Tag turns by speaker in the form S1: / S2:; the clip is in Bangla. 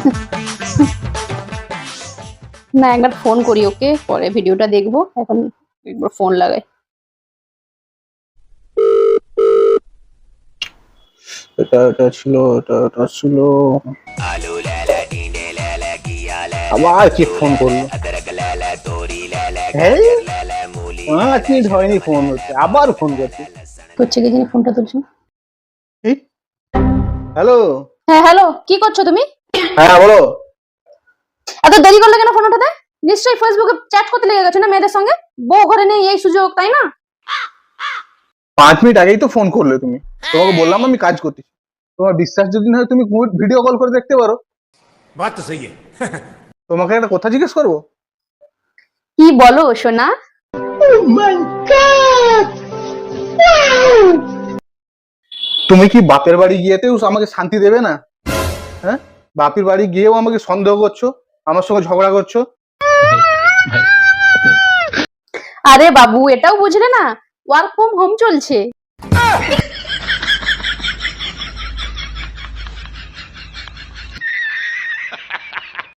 S1: না, একবার ফোন করি ওকে, পরে ভিডিওটা দেখবো। এখন একবার ফোন লাগাই।
S2: এটা ছিল আবার কি ফোন করলো? হ্যাঁ, 5 মিনিট হয়নি ফোন হচ্ছে, আবার ফোন করছে।
S1: করছে কি জানি, ফোনটা তুলছে না।
S2: হ্যালো।
S1: হ্যাঁ হ্যালো, কি করছো তুমি?
S2: হ্যাঁ বলো।
S1: এত দেরি করলে কেন ফোন ওঠাতে? নিশ্চয়ই ফেসবুকে চ্যাট করতে লেগে গেছো না মেয়েদের সঙ্গে। বউ ঘরে নেই এই সুযোগ, তাই না?
S2: 5 মিনিট আগেই তো ফোন করলে তুমি। তোমাকে বললাম আমি কাজ করতেছি। তোমার বিশ্বাস যদি না হয় তুমি ভিডিও কল করে দেখতে পারো।
S3: बात तो सही है।
S2: তোমাকে একটা কথা জিজ্ঞেস করবো?
S1: কি বলো সোনা?
S2: তুমি কি বাপের বাড়ি গিয়েতেও আমাকে শান্তি দেবে না? হ্যাঁ, বাপের বাড়ি গিয়েও আমাকে সন্দেহ করছো, আমার সঙ্গে ঝগড়া করছো।
S1: আরে বাবু, এটাও বুঝলে না? ওয়ার্ক ফ্রম হোম চলছে।